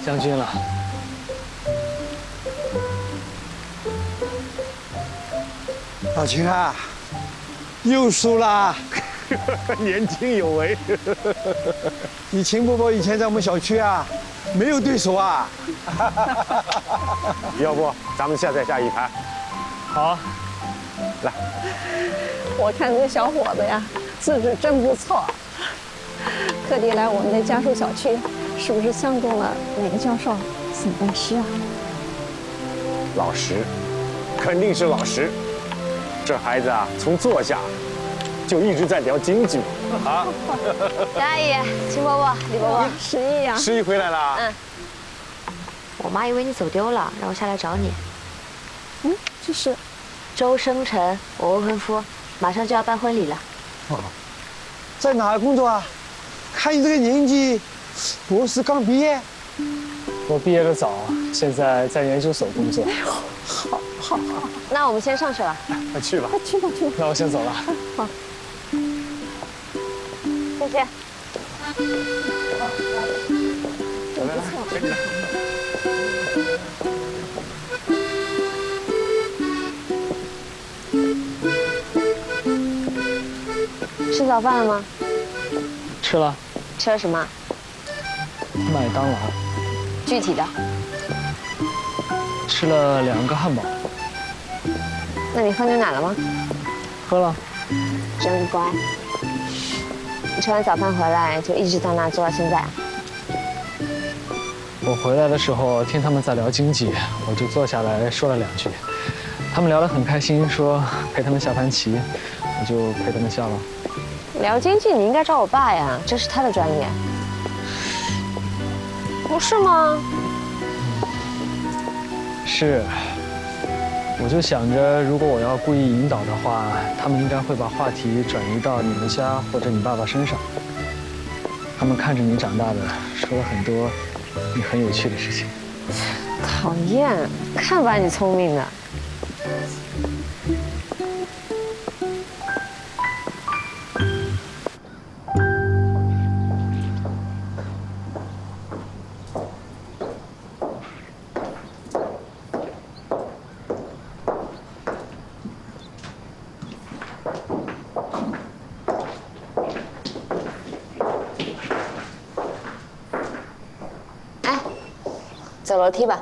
将军了。 老秦啊，又输啦！ 年轻有为。 你秦伯伯以前在我们小区啊，没有对手啊。 要不咱们下再下一盘？ 好啊， 来。 我看这小伙子呀，资质真不错，特地来我们的家属小区，是不是相中了哪个教授送恩师啊？ 老实，肯定是老实。这孩子啊，从坐下就一直在聊京剧啊。 杨阿姨、秦伯伯、李伯伯， 十一呀， 十一回来了。 嗯。我妈以为你走丢了，让我下来找你。 这是周生辰，我未婚夫，马上就要办婚礼了。 哦，在哪儿工作啊？看你这个年纪，博士刚毕业。 我毕业的早，现在在研究所工作。 好， 那我们先上去了。 快去吧。 去吧。 那我先走了。 好， 谢谢。 来，跟着。 吃早饭了吗？ 吃了。 吃了什么？ 麦当劳。 具体的。 吃了2个汉堡。 那你喝牛奶了吗？ 喝了。 真乖。你吃完早饭回来就一直在那坐到现在啊？ 我回来的时候听他们在聊经济，我就坐下来说了2句。他们聊得很开心，说陪他们下盘棋，我就陪他们下了。 聊经济你应该找我爸呀，这是他的专业。不是吗？ 是。我就想着，如果我要故意引导的话，他们应该会把话题转移到你们家或者你爸爸身上。他们看着你长大的，说了很多你很有趣的事情。 讨厌，看把你聪明的。走楼梯吧。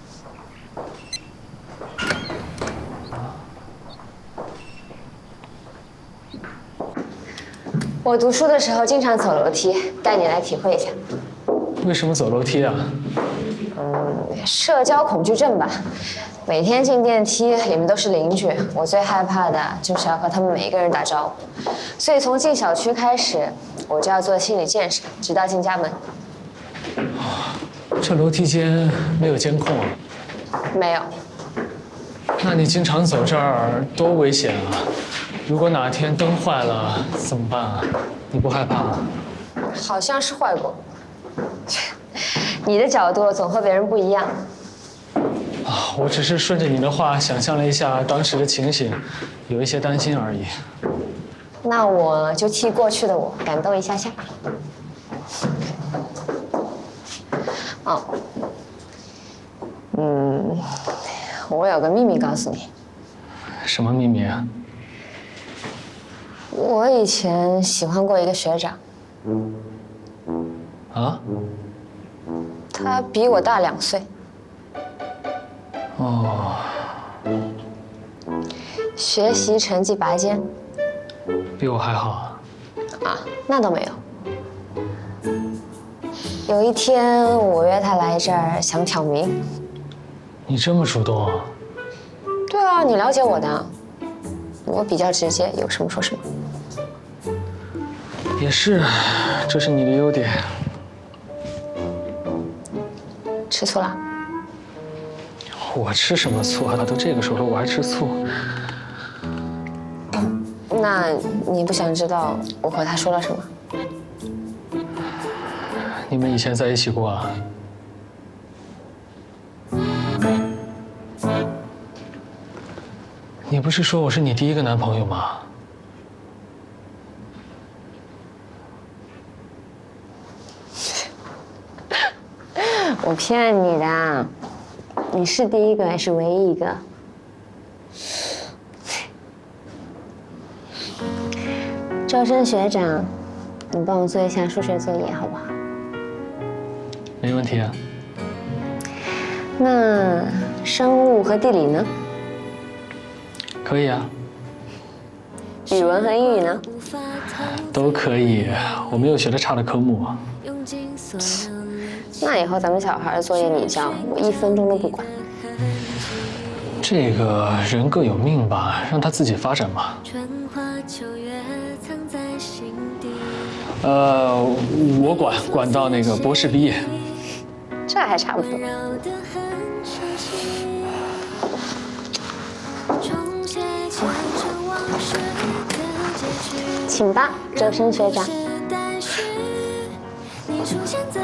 我读书的时候经常走楼梯，带你来体会一下。 为什么走楼梯啊？ 社交恐惧症吧。每天进电梯，里面都是邻居，我最害怕的就是要和他们每一个人打招呼。所以从进小区开始，我就要做心理建设，直到进家门。 这楼梯间没有监控啊？ 没有。 那你经常走这儿多危险啊！如果哪天灯坏了怎么办啊？你不害怕吗？ 好像是坏过。你的角度总和别人不一样。 啊，我只是顺着你的话想象了一下当时的情形，有一些担心而已。 那我就替过去的我感动一下下。哦，我有个秘密告诉你。 什么秘密啊？ 我以前喜欢过一个学长。 啊？ 他比我大2岁。 哦。 学习成绩拔尖。 比我还好啊？ 啊，那倒没有。有一天我约他来这儿想挑明。 你这么主动啊？ 对啊，你了解我的，我比较直接，有什么说什么。 也是，这是你的优点。 吃醋了？ 我吃什么醋啊？都这个时候了，我还吃醋？ 那你不想知道我和他说了什么？ 你们以前在一起过啊？你不是说我是你第1个男朋友吗？ 我骗你的，你是第一个也是唯一一个。招生学长，你帮我做一下数学作业好不好？ 没问题啊。 那生物和地理呢？ 可以啊， 语文和英语呢？ 都可以。我没有学的差的科目。 那以后咱们小孩的作业你交，我1分钟都不管。 这个人各有命吧，让他自己发展嘛。我管到那个博士毕业。 这还差不多。请吧，周深学长。 你出现在